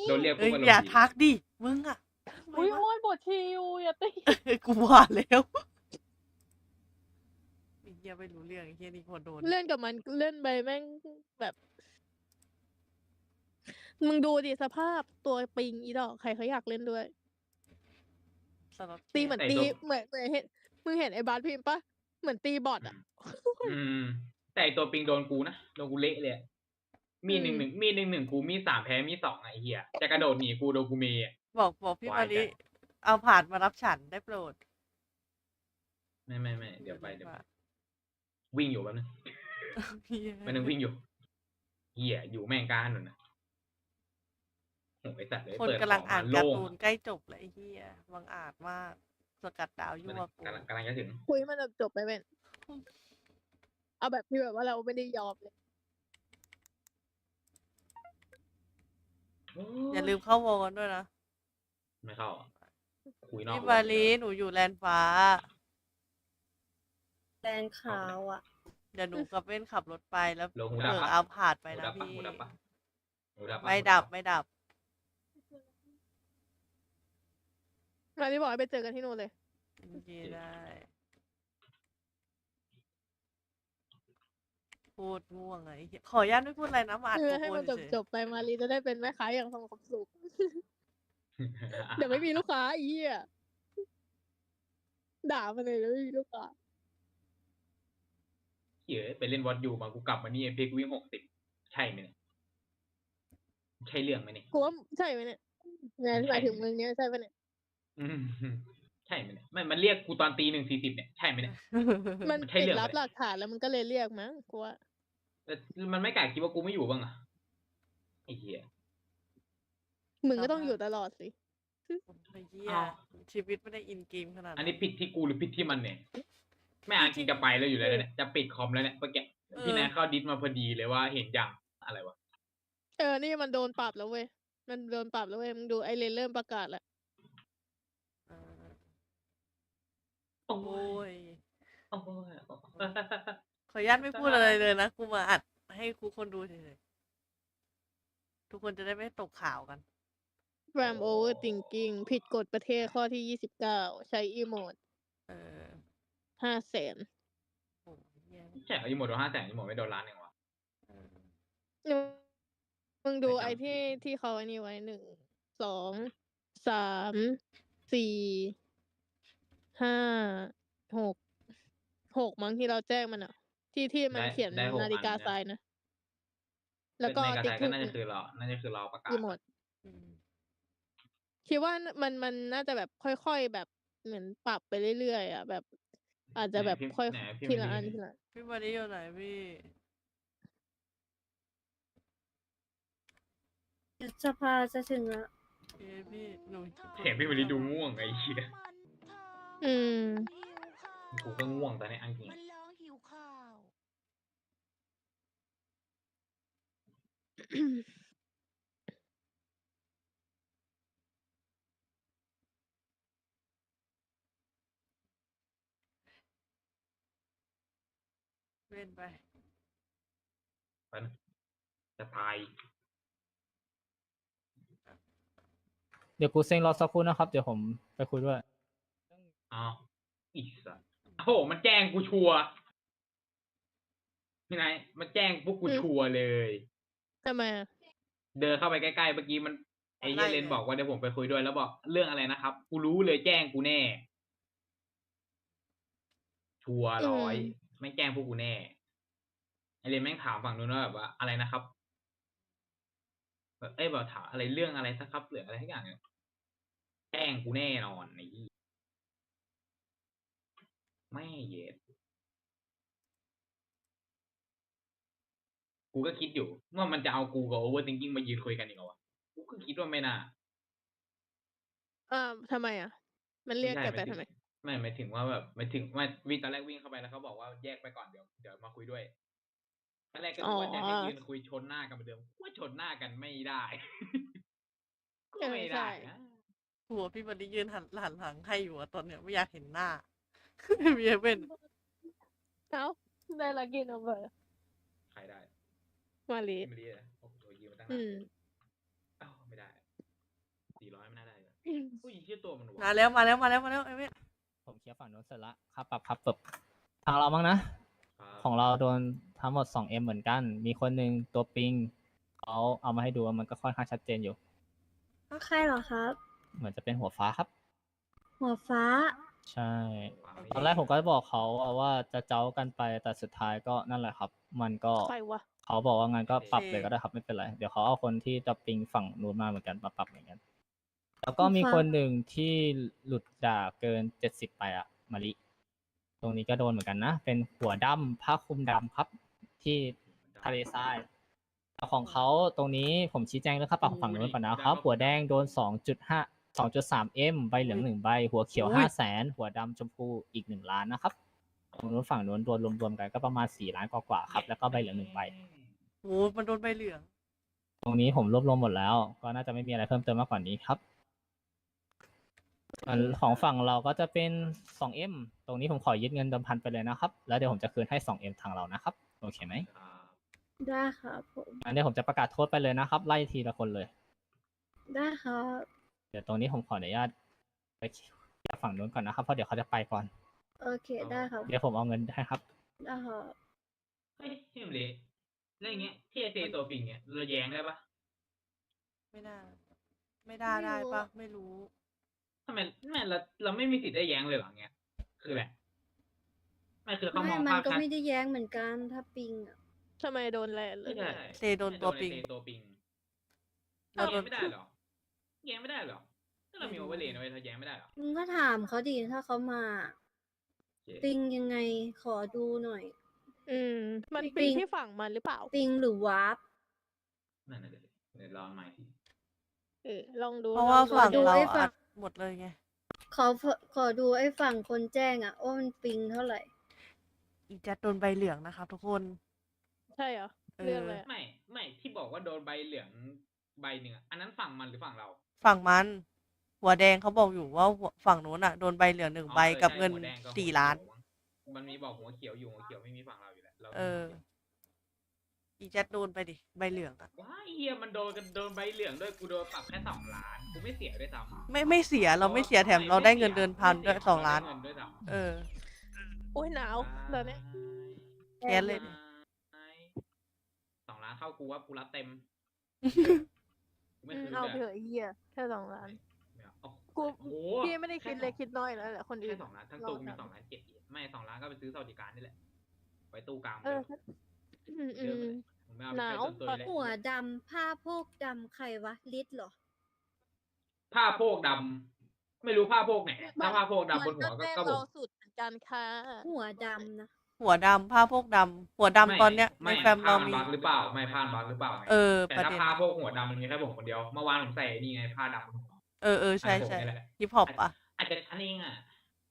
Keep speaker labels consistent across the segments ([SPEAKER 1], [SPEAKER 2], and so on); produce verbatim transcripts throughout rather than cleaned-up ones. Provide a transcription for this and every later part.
[SPEAKER 1] โดนเรียก
[SPEAKER 2] เอ้
[SPEAKER 1] ปุ๊บ
[SPEAKER 2] ย
[SPEAKER 1] อาร
[SPEAKER 2] อย่าม
[SPEAKER 1] ณ์ดี
[SPEAKER 2] ทักดิ มึงอะ ทำไม
[SPEAKER 3] อุ๊ยว
[SPEAKER 2] ะ
[SPEAKER 3] โอ๊ยบทชิลอย่าตี
[SPEAKER 2] กูว่าแล้ว ไอ้เหี้ยไม่รู้เรื่อง ไอ้เหี้ยนี่คนโดน
[SPEAKER 3] เล่นกับมันเล่นไปแม่งแบบ มึงดูดิสภาพตัวปิงอีดอก ใครเขาอยากเล่นด้วย
[SPEAKER 2] สล็อต
[SPEAKER 3] ตี
[SPEAKER 2] แค
[SPEAKER 3] เหมือน
[SPEAKER 1] แต่
[SPEAKER 3] ตี
[SPEAKER 1] ตัว
[SPEAKER 3] เหมือน เหมือนเห็น มึงเห็นไอ้บาสพิมพ์เปล่า? เหมือนตีบอต
[SPEAKER 1] อื
[SPEAKER 3] อะ
[SPEAKER 1] ม อืม แต่ไอ้ตัวปิงโดนกูนะ โดนกูเละเลยอะ
[SPEAKER 3] อ
[SPEAKER 1] มีด หนึ่ง
[SPEAKER 3] ม
[SPEAKER 1] หนึ่ง มีด หนึ่ง หนึ่ง กู มีด สาม แพ้ มีด สอง อะไอ้เหี้ย จะกระโดดหนีกูโดนกูเมย์อะ
[SPEAKER 2] บอก บอกพี่
[SPEAKER 1] ความ
[SPEAKER 2] าย ลิ
[SPEAKER 1] จัด
[SPEAKER 2] เอาผาดมารับฉันได้โปรด
[SPEAKER 1] ไม่ ๆ ๆ เดี๋ยวไป เดี๋ยว
[SPEAKER 2] ว่า
[SPEAKER 1] วิ่งอยู่แป๊บหนึ่ง
[SPEAKER 2] เหี้ย
[SPEAKER 1] แป๊บหนึ่งวิ่งอยู่ เหี้ย อยู่แม่งกลางถนนน่ะ โอ้โฮ ไอ้สัตว์เอ้ย
[SPEAKER 2] คน
[SPEAKER 1] เปิด
[SPEAKER 2] กำลัง
[SPEAKER 1] ของ
[SPEAKER 2] อ่าม
[SPEAKER 1] าน
[SPEAKER 2] กา
[SPEAKER 1] โล่
[SPEAKER 2] ร์
[SPEAKER 1] ง
[SPEAKER 2] ตู
[SPEAKER 1] อะ
[SPEAKER 2] นใกล้จบแล้วไอ้เหี้ย บังอาจมาก สกัดดาวยั่วกู
[SPEAKER 1] กำลัง กำลังจะถึง
[SPEAKER 3] คุยให้มันจบ ๆ ไปเว้ย เอาแบบที่แบบว่าเราไม่ได้ยอมเลย
[SPEAKER 1] โอ้
[SPEAKER 2] อย่าลืมเข้าวอลกันด้วยนะ
[SPEAKER 1] ไม่เข้าอะ คุยนอ
[SPEAKER 2] พี่
[SPEAKER 1] ก
[SPEAKER 2] มาว
[SPEAKER 1] ง
[SPEAKER 2] ลิ หนูอยู่แลนด์ฟ้า
[SPEAKER 4] แลนด์ขาวอะ
[SPEAKER 2] เดี๋ยวหนูกับเว้นขับรถไป แล้ว
[SPEAKER 1] โล หู
[SPEAKER 2] เผ
[SPEAKER 1] ดับ
[SPEAKER 2] ลอ
[SPEAKER 1] เปล่า?
[SPEAKER 2] เอาผาดไป
[SPEAKER 1] หู
[SPEAKER 2] นะ
[SPEAKER 1] ดับเป
[SPEAKER 2] พี
[SPEAKER 1] ล่า
[SPEAKER 2] ่
[SPEAKER 1] หูดับเปล่า? หูดับเปล่า?
[SPEAKER 2] ไม่
[SPEAKER 1] หู
[SPEAKER 2] ดั
[SPEAKER 1] ดั
[SPEAKER 2] บ
[SPEAKER 1] บเปล่า?
[SPEAKER 2] ไม่ดับ
[SPEAKER 3] มาลิบอกให้ไปเจอกันที่นู่นเลย
[SPEAKER 2] โอเค ได้ พูดง่วงอะไอ้เหี้ย ขออนุญาตไม่พูดอะไรนะ มาอัด
[SPEAKER 3] เออ
[SPEAKER 2] โก
[SPEAKER 3] ให้
[SPEAKER 2] โปร
[SPEAKER 3] มัน
[SPEAKER 2] เฉย
[SPEAKER 3] จบ ๆ ไป มาลิจะได้เป็นแม่ค้าอย่างสงบสุข เดี๋ยวไม่มีลูกค้าไอ้เหี้ย ด่ามันเลยเดี๋ยวไม่มีลูกค้า
[SPEAKER 1] เหี้ย ไปเล่น What You มา กูกลับมานี่ Apex วิ่ง หกสิบ ใช่ไหมเนี่ย? ใช่เรื่องไหมเนี่ย?
[SPEAKER 3] กูว่า ใช่ไหมเนี่ย? หมาย
[SPEAKER 1] มัน
[SPEAKER 3] ห
[SPEAKER 1] ใช
[SPEAKER 3] มา
[SPEAKER 1] ่
[SPEAKER 3] ยถึง
[SPEAKER 1] ไหม?
[SPEAKER 3] มึงเนี่ยใช่เปล่าเนี่ย
[SPEAKER 1] อืม ใช่ไหมเนี่ย? ไม่ มันเรียกกูตอนตี หนึ่งสี่สิบ เนี่ย ใช่ไหมเนี่ย?
[SPEAKER 3] มัน
[SPEAKER 1] มันใช่
[SPEAKER 3] ปิด
[SPEAKER 1] เรื่อง
[SPEAKER 3] ลั
[SPEAKER 1] ไหม
[SPEAKER 3] บหลักฐาน แล้วมันก็เลยเรียกมั้ง กูว่า
[SPEAKER 1] แต่มันไม่กล้าคิดว่ากูไม่อยู่บ้างอะ ไอ้เหี้ย
[SPEAKER 3] มึงก็ต้องอยู่ตลอดสิ
[SPEAKER 2] ไอ้เหี้ย
[SPEAKER 1] อ้าว
[SPEAKER 2] ชีวิตไม่ได้ in game ขนาด
[SPEAKER 1] อัน
[SPEAKER 2] นั้
[SPEAKER 1] นี้
[SPEAKER 2] น
[SPEAKER 1] ผิดที่กูหรือผิดที่มันเนี่ย? แม่
[SPEAKER 2] จ
[SPEAKER 1] อา
[SPEAKER 2] จ
[SPEAKER 1] จริงจะไปแล้วอยู่แล้วเนี่ย จะปิดคอมแล้วเนี่ย เมื่อกี้
[SPEAKER 2] เอ
[SPEAKER 1] พี่แน
[SPEAKER 2] อ
[SPEAKER 1] ทเข้า Disc มาพอดีเลยว่าเห็นยัง อะไรวะ?
[SPEAKER 3] เออ นี่มันโดนปรับแล้วเว้ย มันโดนปรับแล้วเว้ย มึงดูไอ้เรนเริ่มประกาศแล้ว
[SPEAKER 2] เออ
[SPEAKER 1] โอ้
[SPEAKER 2] โอ๊ย
[SPEAKER 1] โอ๊ย
[SPEAKER 2] ขออนุญาตไม่พูดอะไรเลยนะ กูมาอัดให้ทุกคนดูเฉย ๆ ทุกคนจะได้ไม่ตกข่าวกัน
[SPEAKER 3] Ram Overthinking ผิดกฎประเทศข้อที่ ยี่สิบเก้า ใช้อีโมด
[SPEAKER 2] เออ
[SPEAKER 3] ห้าแสน
[SPEAKER 2] โอ้โฮ เหี้ย
[SPEAKER 1] ใช่เหรอ? อีโมดโดน ห้าแสน อีโมดไม่โดน ล้าน หนึ่ง วะ?
[SPEAKER 2] เออ
[SPEAKER 3] อืม มึงดู
[SPEAKER 1] ไม่จำ
[SPEAKER 3] ไอ้ที่ ที่เขาไอ้นี่ไว้ หนึ่ง สอง สาม สี่ ห้า หก หก มั้งที่เราแจ้งมันอะ ที่ ที่มั
[SPEAKER 1] ได
[SPEAKER 3] นเขียน
[SPEAKER 1] ได้ หก
[SPEAKER 3] นาฬิกา
[SPEAKER 1] อันใช่
[SPEAKER 3] ทรายนะ แล้
[SPEAKER 1] ก็
[SPEAKER 3] วก็
[SPEAKER 1] ในกระ
[SPEAKER 3] ติ๊
[SPEAKER 1] ท
[SPEAKER 3] ก
[SPEAKER 1] ก็
[SPEAKER 3] ถูก
[SPEAKER 1] น่าจะคือรอ น่าจะคือรอประกา
[SPEAKER 3] อี
[SPEAKER 1] ศ
[SPEAKER 3] โมด
[SPEAKER 2] อืม
[SPEAKER 3] คิดว่า น มัน มันน่าจะแบบค่อย ๆ แบบเหมือนปรับไปเรื่อย ๆ อะ แบบ อาจ
[SPEAKER 1] ไหน
[SPEAKER 3] จะแบบ
[SPEAKER 1] พิมพ์
[SPEAKER 3] ค่อย
[SPEAKER 1] ไหนพิม
[SPEAKER 3] ที
[SPEAKER 1] พ์
[SPEAKER 3] ละอัน
[SPEAKER 1] ดิ
[SPEAKER 3] ทีละอัน
[SPEAKER 2] พี่มาลิอยู่ไหนพี่?
[SPEAKER 4] สภาจะถึงแล้ว
[SPEAKER 2] โอเคพี่ หนู
[SPEAKER 1] เสียงพี่มะลิดูง่วงไอ้เหี้ย
[SPEAKER 3] อืม
[SPEAKER 1] กูก็ง่วงตอนเนี้ยเอาจริง
[SPEAKER 5] มันร้องหิวข้าว
[SPEAKER 2] เว้นไป
[SPEAKER 1] แป๊บหนึ่ง จะตาย
[SPEAKER 6] เดี๋ยวกูเซ็งรอสักครู่นะครับ เดี๋ยวผมไปคุยด้วย
[SPEAKER 1] อ้าว ไอ้สัส โอ้โฮ มันแจ้งกูชัวร์ พี่ไนท์ มันแจ้งปุ๊บกู
[SPEAKER 3] อืม
[SPEAKER 1] ชัวร์เลย
[SPEAKER 3] ทำไมอะ?
[SPEAKER 1] เดินเข้าไปใกล้ ๆ เมื่อกี้มัน ไอ้เหี้ยเรนบอกว่าเดี๋ยวผมไปคุยด้วย แล้วบอกเรื่องอะไรนะครับ กูรู้เลยแจ้งกูแน่ ชัวร์
[SPEAKER 3] อื
[SPEAKER 1] ร้อย
[SPEAKER 3] ม
[SPEAKER 1] แม่งแจ้งพวกกูแน่ ไอ้เรนแม่งถามฝั่งนู้นว่าแบบว่า อะไรนะครับ? แบบ เอ๊ย แบบถามอะไร เรื่องอะไรสักครับ หรืออะไรสักอย่างเนี่ย แจ้งกูแน่นอนไอ้หี้ แม่เย็ด กูก็คิดอยู่ว่ามันจะเอากูกับ Overthinking มายืนคุยกันอีกเหรอวะ กูก็คิดว่าไม่น่า
[SPEAKER 3] อา ทำไมอะ? มันเ
[SPEAKER 1] ไ
[SPEAKER 3] รี
[SPEAKER 1] ม่
[SPEAKER 3] ยก
[SPEAKER 1] ใช่
[SPEAKER 3] แก
[SPEAKER 1] ห
[SPEAKER 3] ไป
[SPEAKER 1] มายถึง
[SPEAKER 3] ทำไม?
[SPEAKER 1] ไม่ หมายถึงว่าแบบ หมายถึงว่า วิ่ง ตอนแรกวิ่งเข้าไปแล้วเขาบอกว่าแยกไปก่อน เดี๋ยว เดี๋ยวมาคุยด้วย ตอนแรกก็
[SPEAKER 3] อ๋
[SPEAKER 1] นึ
[SPEAKER 3] อ
[SPEAKER 1] กว่าจะให้ยืนคุยชนหน้ากันเหมือนเดิม กูว่าชนหน้ากันไม่ได้ ก็
[SPEAKER 3] เออ
[SPEAKER 1] ไม่
[SPEAKER 3] ใช
[SPEAKER 1] ได้
[SPEAKER 3] ่
[SPEAKER 1] นะ
[SPEAKER 2] กลัวพี่มาลิยืนหัน หันหลังให้อยู่อะตอนเนี้ย ไม่อยากเห็นหน้า มีไอ้เว่น
[SPEAKER 3] อ้าว ได้ lucky number
[SPEAKER 1] ใครได้?
[SPEAKER 3] มาลิ
[SPEAKER 1] พี่มะลิเหรอ? โอ้โฮ ยืนมาตั้ง
[SPEAKER 3] อื
[SPEAKER 1] นาน
[SPEAKER 3] ม
[SPEAKER 1] อ้าว ไม่ได้สี่ร้อยไม่น่าได้เลยอุ้ยชื่อตัวมันหว
[SPEAKER 2] มาแล้วมาแล้วมาแล้วมาแล้วไอ้เว้ย
[SPEAKER 6] ผมเคลียร์ฝั่งโน้นเสร็จละครับปรับครับปรับทางเราบ้างนะ
[SPEAKER 1] ครับ
[SPEAKER 6] ของเราโดนทั้งหมด สองเอ็ม เหมือนกัน มีคนหนึ่งตัวปิงเขาเอามาให้ดูว่ามันก็ค่อนข้างชัดเจนอยู่
[SPEAKER 4] ก็ใครเหรอครับ
[SPEAKER 6] เหมือนจะเป็นหัวฟ้าครับ
[SPEAKER 4] หัวฟ้า
[SPEAKER 6] ใช่ ตอนแรกผมก็บอกเขาว่าจะเจ้ากันไปแต่สุดท้ายก็นั่นแหละครับ มันก็
[SPEAKER 3] ใครวะ
[SPEAKER 6] เขาบอกว่างั้นก็ปรับเลยก็ได้ครับไม่เป็นไร เดี๋ยวเขาเอาคนที่จะปิงฝั่งนู้นมาเหมือนกันมาปรับเหมือนกัน แล้วก็มี
[SPEAKER 4] ฟ้า
[SPEAKER 6] คนหนึ่งที่หลุดด่าเกินเจ็ดสิบไปอะมาริ ตรงนี้ก็โดนเหมือนกันนะ เป็นหัวดำผ้าคลุมดำครับ ที่ทะเลทรายแต่ของเขาตรงนี้ผมชี้แจงเรื่องค่าปรับของฝั่งนู้นก่อนนะครับ หัวแดงโดน สองจุดห้า สองจุดสาม เอ็ม ใบเหลืองหนึ่งใบ หัวเขียว
[SPEAKER 2] อุ้ย
[SPEAKER 6] ห้าแสน หัวดำชมพูอีกหนึ่งล้านนะครับของนู้นฝั่งนู้นรวมรวมๆกันก็ประมาณสี่ล้านกว่าๆครับ แล้วก็ใบเหลืองหนึ่งใบ
[SPEAKER 2] โอ้มันโดนใบเหลือง
[SPEAKER 6] ตรงนี้ผมรวบรวมหมดแล้ว ก็น่าจะไม่มีอะไรเพิ่มเติมมากกว่านี้ครับส่วนของฝั่งเราก็จะเป็น สองเอ็ม ตรงนี้ผมขอยึดเงินเดิมพันไปเลยนะครับ แล้วเดี๋ยวผมจะคืนให้ สองเอ็ม ทางเรานะครับ โอเคไหม
[SPEAKER 1] ครับ
[SPEAKER 4] ได้ครับผม
[SPEAKER 6] อันนี้ผมจะประกาศโทษไปเลยนะครับ ไล่ทีละคนเลย
[SPEAKER 4] ได้ครับ
[SPEAKER 6] เดี๋ยวตรงนี้ผมขออนุญาตไปเคลียร์ฝั่งนู้นก่อนนะครับ เพราะเดี๋ยวเขาจะไปก่อน
[SPEAKER 4] โอเค ได้ครับ
[SPEAKER 6] เดี๋ยวผมเอาเงินให้ครับ
[SPEAKER 4] ได้ครับ
[SPEAKER 1] เฮ้ยพี่มเละแล้วอย่างเงี้ยที่ไอเจตัวปิงเนี่ยเราแย้งได้ปะ
[SPEAKER 2] ไม่น่าไม่ได้ได้ปะไม่รู้
[SPEAKER 1] ทำไมไม่เราเราไม่มีสิทธิ์ได้แย้งเลยเหรอเงี้ยคืออะไรไม่คือเขา
[SPEAKER 4] ไม่
[SPEAKER 1] มอง
[SPEAKER 4] มัน
[SPEAKER 1] ภาพ
[SPEAKER 4] ก็
[SPEAKER 1] ชัด
[SPEAKER 4] ไม่ได้แย้งเหมือนกัน ถ้าปิงอ่ะ
[SPEAKER 3] ทำไมโดนแลนเล
[SPEAKER 1] ไม่
[SPEAKER 3] ย
[SPEAKER 1] ใช่
[SPEAKER 2] เตโดนตัวปิง
[SPEAKER 1] เตตัวปิง
[SPEAKER 2] เรา
[SPEAKER 1] เรา
[SPEAKER 2] โด
[SPEAKER 1] แย้
[SPEAKER 2] น
[SPEAKER 1] งไม่ได้เหรอแย้งไม่ได้เหรอถ้าเรามีโอเวอร์เลย์นะเว้ยเราแย้งไม่ได้เหรอ
[SPEAKER 4] มึงก็ถามเขาดิถ้าเขามา
[SPEAKER 1] โอเค
[SPEAKER 4] ปิงยังไง ขอดูหน่อย
[SPEAKER 3] อืม มัน
[SPEAKER 4] ปิ
[SPEAKER 3] ปี
[SPEAKER 4] ง
[SPEAKER 3] ที่ฝั่งมันหรือเปล่า
[SPEAKER 4] ปิงหรือวาร์ป
[SPEAKER 1] นั่นน่ะเดี๋ยวเดี๋ยวลองใหม่ที
[SPEAKER 3] เออ ลองดู
[SPEAKER 2] เพราะว่า
[SPEAKER 3] ลองดู
[SPEAKER 2] ฝั่ง
[SPEAKER 4] ดู
[SPEAKER 2] เรา
[SPEAKER 4] ไอ้ฝั่
[SPEAKER 2] อั
[SPEAKER 4] ง
[SPEAKER 2] ดหมดเลยไง
[SPEAKER 4] ขอขอดูไอ้ฝั่งคนแจ้งอ่ะว่ามันปิงเท่าไหร่
[SPEAKER 2] อีแจ็ดโดนใบเหลืองนะครับทุกคน
[SPEAKER 3] ใช่เหรอ
[SPEAKER 2] เออ
[SPEAKER 3] เรื่องอะไรอะ
[SPEAKER 1] ไม่ไม่ที่บอกว่าโดนใบเหลืองใบหนึ่งอะอันนั้นฝั่งมันหรือฝั่งเรา
[SPEAKER 2] ฝั่งมัน หัวแดงเขาบอกอยู่ว่าหัวฝั่งนู้นอ่ะโดนใบเหลืองหนึ่ง
[SPEAKER 1] อ๋อ
[SPEAKER 2] ใบ
[SPEAKER 1] ออ
[SPEAKER 2] กับ
[SPEAKER 1] ใช่
[SPEAKER 2] เงิน
[SPEAKER 1] หัวแดงกับ
[SPEAKER 2] สี่
[SPEAKER 1] หัว
[SPEAKER 2] ล้าน
[SPEAKER 1] เขียวมั้งมันมีบอกหัวเขียวอยู่หัวเขียวไม่มีฝั่งเราอยู่แล้วเรา
[SPEAKER 2] เออ อีแจ็ดโดนไปดิใบเหลืองอ่ะ
[SPEAKER 1] ว้ายเฮียมันโดนกันโดนใบเหลืองด้วยกูโดนปรับแค่สองล้านกูไม่เสียด้วยซ้ำ
[SPEAKER 2] ไม่ไม่เสียเราไม่เสียแถมเราได้เงินเดือนพันด้วยสองล้าน
[SPEAKER 1] เรได้เงินด้วยซ้ำ
[SPEAKER 2] เออ
[SPEAKER 3] โอ้ยหนาวตอนนี้
[SPEAKER 2] แค้นเลยดิ
[SPEAKER 1] สองล้านเข้ากูว่ากูรับเต็มกูไม่
[SPEAKER 3] อืม
[SPEAKER 1] คืน
[SPEAKER 3] เอา
[SPEAKER 1] ด้วย
[SPEAKER 3] ไปเถอะไอ้เหี้ยแค่สองล้าน
[SPEAKER 1] ไม่เอาเอา
[SPEAKER 3] กู
[SPEAKER 1] โอ้โห
[SPEAKER 3] พี่ไม่ได้คิดเล็กคิดน้อยแล้วแหละคนอื่
[SPEAKER 1] แค่
[SPEAKER 3] น
[SPEAKER 1] สองล้านทั้ง
[SPEAKER 3] เรา
[SPEAKER 1] ตู้มี
[SPEAKER 3] ทำ
[SPEAKER 1] สองล้านเจ็ดอีกไม่สองล้านก็ไปซื้อสวัสดิการนี่แหละไว้ตู้กลาง
[SPEAKER 3] เออ
[SPEAKER 1] เดิม
[SPEAKER 3] อืมอื
[SPEAKER 1] เดิม
[SPEAKER 3] ม
[SPEAKER 1] เลยผมไม่เอา
[SPEAKER 3] หนาว
[SPEAKER 1] ไปใช้ส่วนตัวเลย
[SPEAKER 4] หัวดำผ้าโพกดำใครวะ ลิศเหรอ
[SPEAKER 1] ผ้าโพกดำไม่รู้ผ้าโพกไหนถ้าผ้าโพกดำบนหัว
[SPEAKER 3] มัน
[SPEAKER 1] ก็
[SPEAKER 3] แจ้ง
[SPEAKER 1] ก็ผ
[SPEAKER 3] เรา
[SPEAKER 1] ม
[SPEAKER 3] สุดเหมือนกันค่ะ
[SPEAKER 4] หัวดำนะ
[SPEAKER 2] หัวดำผ้าพวกดำหัวดำตอนเนี้ยใน
[SPEAKER 1] ไม่
[SPEAKER 2] แฟมเรา
[SPEAKER 1] ผ้น
[SPEAKER 2] มี
[SPEAKER 1] บักหรือเปล่าไม่ผ้าบักหรือเปล่าไง
[SPEAKER 2] เออ
[SPEAKER 1] แต่
[SPEAKER 2] ประ
[SPEAKER 1] ถ้า
[SPEAKER 2] เด็น
[SPEAKER 1] ผ้าโพกหัวดำมันมีแค่ผมคนเดียวเมื่อวานผมใส่นี่ไงผ้าดำบนหัว
[SPEAKER 2] เออเออใช่
[SPEAKER 1] อันผม
[SPEAKER 2] ใช่
[SPEAKER 1] นี่แหละ
[SPEAKER 2] ฮิปฮอปอ่ะ
[SPEAKER 1] อาจจะชั้นเองอ่ะ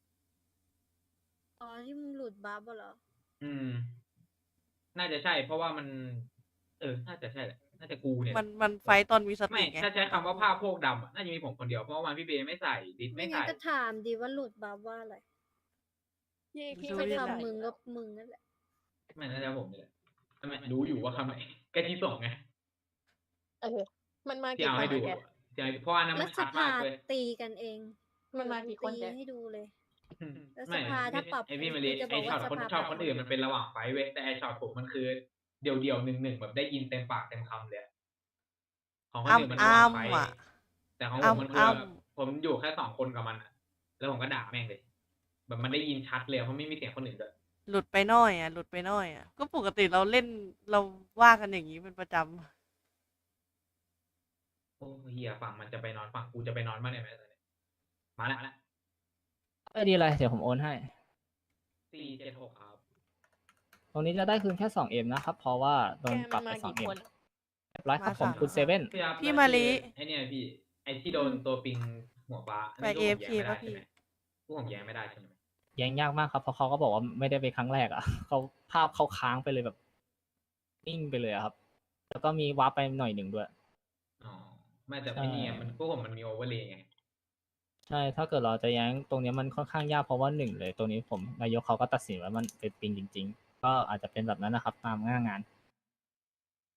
[SPEAKER 4] อ๋อที่มึงหลุดบัฟเหรอ
[SPEAKER 1] อืม น่าจะใช่ เพราะว่ามัน เออ น่าจะใช่แหละ น่าจะกูเนี่ย
[SPEAKER 2] มันมันไฟต์ตอนมีส
[SPEAKER 1] ไม่
[SPEAKER 2] ติไง
[SPEAKER 1] ถ้าใช้คำว่าผ้าโพกดำอะน่าจะมีผมคนเดียว เพราะว่าวันพี่เบย์ไม่ใส่ ดิส
[SPEAKER 4] ไม่
[SPEAKER 1] ไม่
[SPEAKER 4] งั้
[SPEAKER 1] ใส่
[SPEAKER 4] นก็ถามดีว่าหลุดบัฟว่าอะไร
[SPEAKER 3] พี่พี่
[SPEAKER 2] ดู
[SPEAKER 3] ไม่
[SPEAKER 2] ดิ
[SPEAKER 3] ได้ใส่
[SPEAKER 4] คำมึงก็มึงนั่นแหละ
[SPEAKER 1] ไม่น่าจะผมนี่แหละทำไมรู้อยู่ว่าคำไหนแกที่ส่งไง
[SPEAKER 3] เออ มันมา
[SPEAKER 1] ที่
[SPEAKER 3] กี่
[SPEAKER 1] เอา
[SPEAKER 3] คน
[SPEAKER 1] ให้ดู
[SPEAKER 3] อะแก
[SPEAKER 1] อะที่เอาเพราะว่านั้น
[SPEAKER 4] รั
[SPEAKER 1] มัน
[SPEAKER 4] ฐ
[SPEAKER 1] ชัด
[SPEAKER 4] ภาม
[SPEAKER 1] ากเลย
[SPEAKER 4] ตีกันเอง
[SPEAKER 3] มันมากี่คน
[SPEAKER 4] ตี
[SPEAKER 3] แก
[SPEAKER 4] ให้ดูเลย แล้ว
[SPEAKER 1] ไม่
[SPEAKER 4] สภาถ้าปรับ
[SPEAKER 1] ไอพี่มา
[SPEAKER 4] กู
[SPEAKER 1] รี
[SPEAKER 4] จะบ
[SPEAKER 1] ไอ
[SPEAKER 4] อก
[SPEAKER 1] ช็อ
[SPEAKER 4] ว่า
[SPEAKER 1] ตคน
[SPEAKER 4] สภา
[SPEAKER 1] ชอบ
[SPEAKER 4] ปรับ
[SPEAKER 1] คนอื่นมันเป็นระหว่างไฟท์เว้ยแต่ไอช็อตผมมันคือ เดี่ยวเดี่ยวๆหนึ่งหนึ่งแบบได้ยินเต็มปากเต็มคำเลยอะของคนอื่นมันระหว่างไฟท์
[SPEAKER 2] อ้ำๆอะ
[SPEAKER 1] แต่ของผมมันคือ
[SPEAKER 2] อ้ำๆ
[SPEAKER 1] แบบผมอยู่แค่สองคนกับมันอะแล้วผมก็ด่าแม่งเลย แบบมันได้ยินชัดเลยเพราะไม่มีเสียงคนอื่นด้วย
[SPEAKER 2] หลุดไปหน้อยอ่ะหลุดไปหน้อยอ่ะก็ปกติเราเล่นเราว่ากันอย่างนี้เป็นประจำ
[SPEAKER 1] โอ้เฮียฝั่งมันจะไปนอนฝั่งกูจะไปนอนบ้างได้ไหมตอนนี้มาแล้วมาแล้ว
[SPEAKER 6] เออดีเลยเดี๋ยวผมโอนให้
[SPEAKER 1] สี่เจ็ดหกครับ
[SPEAKER 6] ตรงนี้จะได้คืนแค่ สองเอ็ม นะครับ เพราะว่าโด
[SPEAKER 3] แก
[SPEAKER 6] นป
[SPEAKER 3] มั
[SPEAKER 6] รับ
[SPEAKER 3] น
[SPEAKER 6] ไป
[SPEAKER 3] มา
[SPEAKER 6] สอง
[SPEAKER 3] กี่
[SPEAKER 6] เอ็ม
[SPEAKER 3] คน
[SPEAKER 6] เรียบร้อยครับผม
[SPEAKER 2] มาสาม
[SPEAKER 6] คุณเซเว่น
[SPEAKER 1] พี่ครับ
[SPEAKER 2] พี่
[SPEAKER 1] แล้ว
[SPEAKER 2] มาลิ
[SPEAKER 1] คือไอเนี่ยพี่ ไอที่โดนตัวปิงหัวฟ้า
[SPEAKER 2] ไป
[SPEAKER 1] นนี้พวกผมแย้ง
[SPEAKER 2] AFK
[SPEAKER 1] ไม่ได้
[SPEAKER 2] ป่ะพี่
[SPEAKER 1] ใช่ไหมพวกผมแย้งไม่ได้ใช่ไหม
[SPEAKER 6] แย้งยากมากครับ เพราะเขาก็บอกว่าไม่ได้ไปครั้งแรกอ่ะ เขาภาพเขาค้างไปเลยแบบนิ่งไปเลยอะครับ แล้วก็มีวาร์ปไปหน่อยหนึ่งด้วย
[SPEAKER 1] อ๋อไม่แต่ไม่นี่ไงมันพวกผมมันมีโอเวอร์เลย์ไง
[SPEAKER 6] ใช่ ถ้าเกิดเราจะแย้งตรงเนี้ยมันค่อนข้างยากเพราะว่าหนึ่งเลย ตรงนี้ผมนายกเขาก็ตัดสินว่ามันเป็นปิงจริง ๆ ก็อาจจะเป็นแบบนั้นนะครับ ตามหน้างาน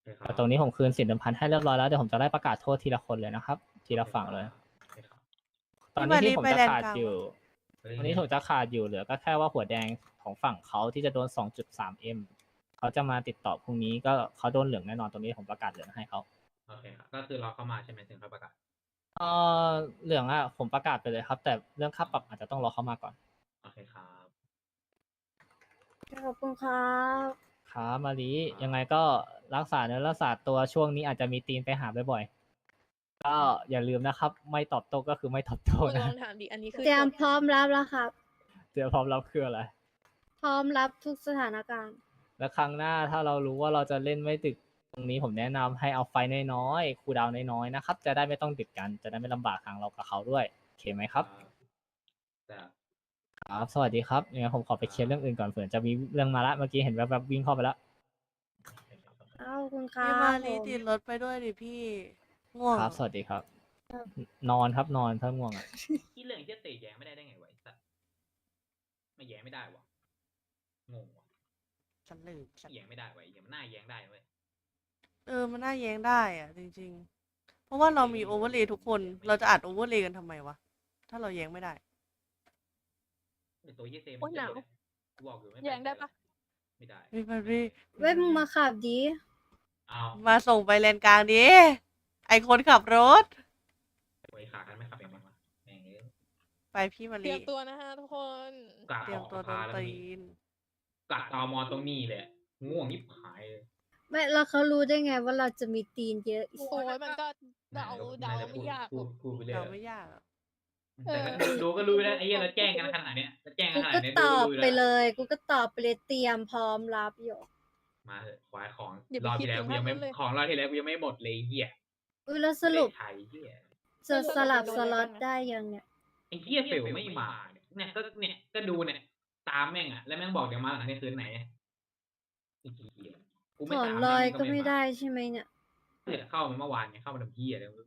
[SPEAKER 1] เคครับ
[SPEAKER 6] แต่ตรงนี้ผมคืนสินเดิมพันให้เรียบร้อยแล้วเดี๋ยวผมจะได้ประกาศโทษทีละคนเลยนะครับ ทีละฝั่งเลย
[SPEAKER 1] โอเคครับ
[SPEAKER 6] ตอนนี้ที่ผม
[SPEAKER 2] พี่
[SPEAKER 6] จะ
[SPEAKER 2] มารีไปแลนด์
[SPEAKER 6] ขาด
[SPEAKER 2] กลาง
[SPEAKER 6] อยู่
[SPEAKER 1] เฮ้ย
[SPEAKER 6] ตอนนี้ผมจะขาดอยู่เหลือก็แค่ว่าหัวแดงของฝั่งเขาที่จะโดน สองจุดสามเอ็ม เขาจะมาติดต่อพรุ่งนี้ก็เขาโดนเหลืองแน่นอนตรงนี้ผมประกาศเหลืองให้เขา
[SPEAKER 1] โอเคครับก็คือเราเข้ามาใช่ไหมถึงเขาประกาศ
[SPEAKER 6] เออเหลืองอะผมประกาศไปเลยครับ แต่เรื่องค่าปรับอาจจะต้องรอเข้ามาก่อน
[SPEAKER 1] โอเคครับ
[SPEAKER 4] ขอบคุณครับ
[SPEAKER 6] ครับมารียังไงก็รักษาเนื้อรักษาตัวช่วงนี้อาจจะมีตีนไปหาบ่อยๆก็อย่าลืมนะครับ ไม่ตอบโต้ก็คือไม่ตอบโต้
[SPEAKER 3] มึงล
[SPEAKER 6] นะ
[SPEAKER 3] องถามดิ อันนี้คือ
[SPEAKER 4] เตรียม
[SPEAKER 3] จบ
[SPEAKER 4] พร้อมรับแล้วครับ
[SPEAKER 6] เตรียมพร้อมรับคืออะไร
[SPEAKER 4] พร้อมรับทุกสถานการณ์
[SPEAKER 6] แล้วครั้งหน้าถ้าเรารู้ว่าเราจะเล่นไม่ดึกตรงนี้ผมแนะนำให้เอาไฟน้อยๆคูลดาวน์น้อยๆนะครับ จะได้ไม่ต้องดึกกันจะได้ไม่ลำบากทางเรากับเขาด้วยโอเคไหมครับ
[SPEAKER 1] แต่
[SPEAKER 6] ครับ สวัสดีครับยังไงผมขอไปเคลียร์เรื่องอื่นก่อนเผื่อจะมีเรื่องมาละเมื่อกี้เห็นแวบๆวิ่งเข้าไปแล้ว
[SPEAKER 4] เอ้าคุณครั
[SPEAKER 2] พี่
[SPEAKER 4] บ
[SPEAKER 2] มารี
[SPEAKER 4] ผม
[SPEAKER 2] ติดรถไปด้วยดิพี่ ง่วง
[SPEAKER 6] ครับ สวัสดีครับ นอนครับนอนถ้าง่วงอ่ะ
[SPEAKER 1] ที่เรื่องที่เตะแย้งไม่ได้ได้ไงวะไอ้สัสไม่แย้งไม่ได้วะงงวะ
[SPEAKER 2] ฉันลืมฉัน
[SPEAKER 1] แย้งไม่ได้วะไอ้เหี้ยมันน่าแย้งได้เว้ย
[SPEAKER 2] เออ มันน่าแย้งได้อะจริงๆ เพราะว่าเรามีโอเวอร์เลย์ทุกคน เราจะอัดโอเวอร์เลย์กันทำไมวะ ถ้าเราแย้งไม่ได้
[SPEAKER 1] เป็นตัวเหี้ยเซม
[SPEAKER 3] โอ๊ยหนาว
[SPEAKER 1] กูบอกอยู่ไม่
[SPEAKER 3] แย้งได้ปะ
[SPEAKER 1] ไม่ได้
[SPEAKER 2] พี่มารี
[SPEAKER 4] เว้ยมึงมาขับดี
[SPEAKER 1] เอา
[SPEAKER 2] มาส่งไปเลนกลางดิ ไอคนขับรถ
[SPEAKER 1] ไว้ขากันไม่ขับเองมั้งวะแม่งเอ้ย
[SPEAKER 2] ไปพี่มา
[SPEAKER 3] เตรี
[SPEAKER 2] รี
[SPEAKER 3] ยมตัวนะฮะทุกคน
[SPEAKER 1] กะ
[SPEAKER 2] เตรียมตัวโดน
[SPEAKER 1] ออกสภาแล้ว
[SPEAKER 2] ตี
[SPEAKER 1] นี่
[SPEAKER 2] น
[SPEAKER 1] กะตอมอตรงนี้แหละง่วงยิบหายเลย
[SPEAKER 4] ไม่แล้วเขารู้ได้ไงว่าเราจะมีตีนเยอะ
[SPEAKER 3] โอ้ยมันก็เดาเดา
[SPEAKER 1] น่จะ
[SPEAKER 3] ไม่ยากห
[SPEAKER 1] พู
[SPEAKER 3] ร
[SPEAKER 1] ด
[SPEAKER 3] อก
[SPEAKER 1] พูดไปเรื่อย
[SPEAKER 2] เราไม่ยากอะ
[SPEAKER 1] แต่ก็ดูดูก็รู้แล้วไอ้เหี้ยเราแจ้งกันขนาดเนี้ยเราแจ้งกั
[SPEAKER 4] กู
[SPEAKER 1] นขนา
[SPEAKER 4] ก็
[SPEAKER 1] ดเนี้ย
[SPEAKER 4] ต
[SPEAKER 1] ดู
[SPEAKER 4] อบ
[SPEAKER 1] รู้
[SPEAKER 4] ไป
[SPEAKER 1] แล้ว
[SPEAKER 4] เลย กูก็ตอบไปเลยเตรียมพร้อมรับอยู่
[SPEAKER 1] มาเถอะควายของ
[SPEAKER 3] อย่าไป
[SPEAKER 1] รอบ
[SPEAKER 3] คิด
[SPEAKER 1] ที่แล้ว
[SPEAKER 3] ถึง
[SPEAKER 1] กูยังไม่
[SPEAKER 3] ภาพนั้นเลย
[SPEAKER 1] ของรอบที่แล้วกูยังไม่หมดเลยไอ้เหี้ย
[SPEAKER 4] อุ้ยแล้วสรุป
[SPEAKER 1] เลขไทยเหี้ย
[SPEAKER 4] จะสลับ
[SPEAKER 3] โดน
[SPEAKER 4] ส
[SPEAKER 3] อะไร
[SPEAKER 4] ล็อต
[SPEAKER 3] บ้างอะ
[SPEAKER 4] ได้ยังเนี่ย
[SPEAKER 1] ไอ้เหี้ยเฟลไม่มาเนี่ยเนี่ยก็เนี่ยก็ดูเนี่ยตามแม่งอ่ะแล้วแม่งบอกเดี๋ยวมาหลังนี้คืนไหนไอ้เหี้ยกู
[SPEAKER 4] ถ
[SPEAKER 1] ไม่
[SPEAKER 4] อน
[SPEAKER 1] ตาม
[SPEAKER 4] ลอย
[SPEAKER 1] แง
[SPEAKER 4] ก็ไม่ได้ใช่ไหมเนี่ย
[SPEAKER 1] เนี่ยเข้ามาเมื่อวานไงเข้ามาทำเหี้ยอะไรไม่รู้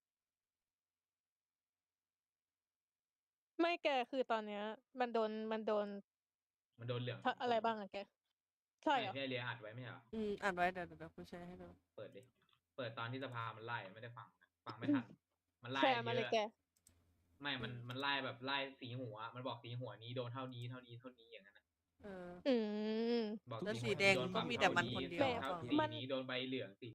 [SPEAKER 3] ไม่แกคือตอนเนี้ย มันโดนมันโดน
[SPEAKER 1] มันโดนเหลือง
[SPEAKER 3] ทะอะไรบ้างอะแก ใช่เหรอ
[SPEAKER 1] ที่ไอ้เรียอัดไว้ไม่ใช่เหรอ
[SPEAKER 2] อืมอ่านไว้เดี๋ยวเดี๋ยวเดี๋ยวกูแชร์ให้ดู
[SPEAKER 1] เปิดดิเปิดตอนที่สภามันไล่ไม่ได้ฟังฟังไม่ทันมันไล่
[SPEAKER 3] แชร์มาเลย
[SPEAKER 1] เย
[SPEAKER 3] แก
[SPEAKER 1] อะไม่มันมันไล่แบบไล่สีหัว มันบอกสีหัวนี้โดนเท่านี้เท่านี้เท่านี้อย่างนั้นนะ
[SPEAKER 2] เออ
[SPEAKER 3] อืม
[SPEAKER 1] บอก
[SPEAKER 2] แล้ว
[SPEAKER 1] หั
[SPEAKER 2] สี
[SPEAKER 1] ว
[SPEAKER 2] แดง
[SPEAKER 1] โน
[SPEAKER 2] ก็
[SPEAKER 1] ฝั่
[SPEAKER 2] มีแต่มันคนเดียว
[SPEAKER 1] ท่า
[SPEAKER 3] แบบ
[SPEAKER 1] สี
[SPEAKER 3] มัน
[SPEAKER 1] นี้โดนใบเหลืองสี